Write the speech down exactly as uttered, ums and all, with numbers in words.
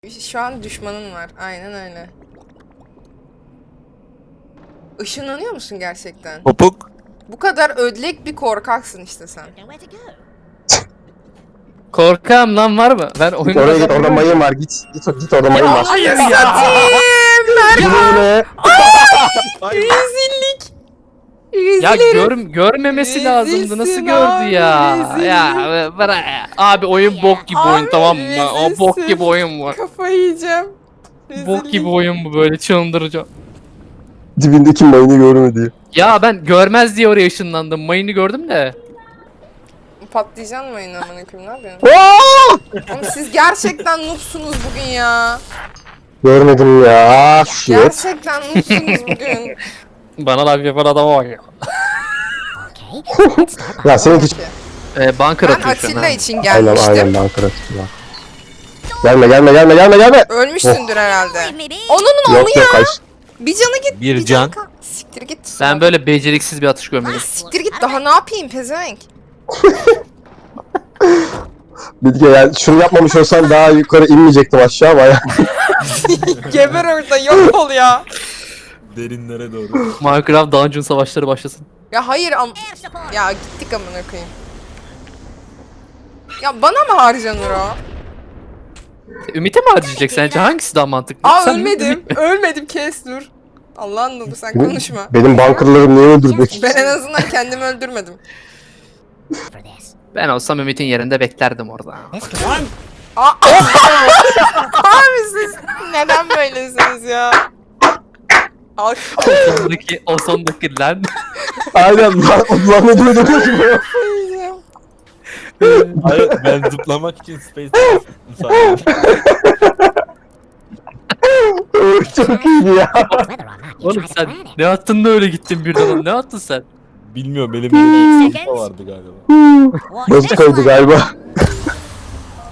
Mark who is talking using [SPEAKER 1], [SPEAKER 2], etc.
[SPEAKER 1] Şu an düşmanın var. Aynen öyle. Işınlanıyor musun gerçekten?
[SPEAKER 2] Topuk.
[SPEAKER 1] Bu kadar ödlek bir korkaksın işte sen.
[SPEAKER 3] Korkağım lan var mı? Ben oyunu
[SPEAKER 4] Oraya git, orada mayın var. Git, git, git orada mayın var.
[SPEAKER 3] Hayır
[SPEAKER 1] Satayım Berkan.
[SPEAKER 4] Yine.
[SPEAKER 1] Rezillik.
[SPEAKER 3] Ya
[SPEAKER 1] Rezil
[SPEAKER 3] gör, görmemesi lazımdı. Nasıl
[SPEAKER 1] Rezilsin
[SPEAKER 3] gördü
[SPEAKER 1] abi,
[SPEAKER 3] ya?
[SPEAKER 1] rezillik.
[SPEAKER 3] Ya bırak. Abi oyun bok gibi oyun,
[SPEAKER 1] Abi,
[SPEAKER 3] tamam mı? O bok
[SPEAKER 1] rezilsin.
[SPEAKER 3] gibi oyun bu.
[SPEAKER 1] Kafayı yiyeceğim.
[SPEAKER 3] Bok gibi oyun bu, böyle çıldıracağım.
[SPEAKER 4] Dibindeki mayını görmedi.
[SPEAKER 3] Ya ben görmez diye oraya ışınlandım. Mayını gördüm de.
[SPEAKER 1] Patlayacaksın mı yine amına koyayım, ne yapıyorsun? Oğlum siz gerçekten noobsunuz bugün ya.
[SPEAKER 4] Görmedim ya. Shit.
[SPEAKER 1] Gerçekten noobsunuz bugün.
[SPEAKER 3] Bana laf yapan adama bak ya.
[SPEAKER 4] Ya seninki
[SPEAKER 1] Peki.
[SPEAKER 3] Ee, bunker
[SPEAKER 1] Ben
[SPEAKER 3] atıyor şu an.
[SPEAKER 1] Atilla
[SPEAKER 3] ha.
[SPEAKER 1] için
[SPEAKER 4] aynen
[SPEAKER 1] gelmiştim.
[SPEAKER 4] aynen Ankara tutma. Gelme gelme gelme gelme gelme.
[SPEAKER 1] Ölmüşsündür herhalde. Onun onu
[SPEAKER 4] Yok
[SPEAKER 1] ya.
[SPEAKER 4] yok kaç.
[SPEAKER 1] Bir canı git.
[SPEAKER 2] Bir
[SPEAKER 1] canı
[SPEAKER 2] can.
[SPEAKER 1] kal- Siktir git.
[SPEAKER 3] Ben böyle beceriksiz bir atış
[SPEAKER 1] Ha,
[SPEAKER 3] görmedim.
[SPEAKER 1] siktir git, daha ne yapayım pezevenk.
[SPEAKER 4] Bilge yani şunu yapmamış olsan daha yukarı inmeyecektim aşağı baya.
[SPEAKER 1] Geber orada, yok ol ya.
[SPEAKER 2] Derinlere doğru.
[SPEAKER 3] Minecraft Dungeon savaşları başlasın.
[SPEAKER 1] Ya hayır am... Ya gittik amına koyayım. Ya bana mı harcanır o?
[SPEAKER 3] Ümit'e mi harcayacak sence? Hangisi daha mantıklı?
[SPEAKER 1] Aa
[SPEAKER 3] Sen
[SPEAKER 1] ölmedim. Ölmedim, kes dur. Allah'ın nuru, sen konuşma.
[SPEAKER 4] Benim bunkerlarım niye öldürdük?
[SPEAKER 1] Ben en azından kendimi öldürmedim.
[SPEAKER 3] Ben olsam Ümit'in yerinde beklerdim orada.
[SPEAKER 1] Aa, abi siz neden böylesiniz ya? Al.
[SPEAKER 3] O sondaki, o sondaki lan.
[SPEAKER 4] Aynen lan. Ulan ne duydun ki?
[SPEAKER 2] Hayır, ben zıplamak için space müsaade.
[SPEAKER 4] Çok iyiydi ya.
[SPEAKER 3] Oğlum sen ne attın da öyle gittin birden? Ne attın sen?
[SPEAKER 2] Bilmiyorum, benim bir zıpla vardı galiba.
[SPEAKER 4] Bozuk koydu galiba.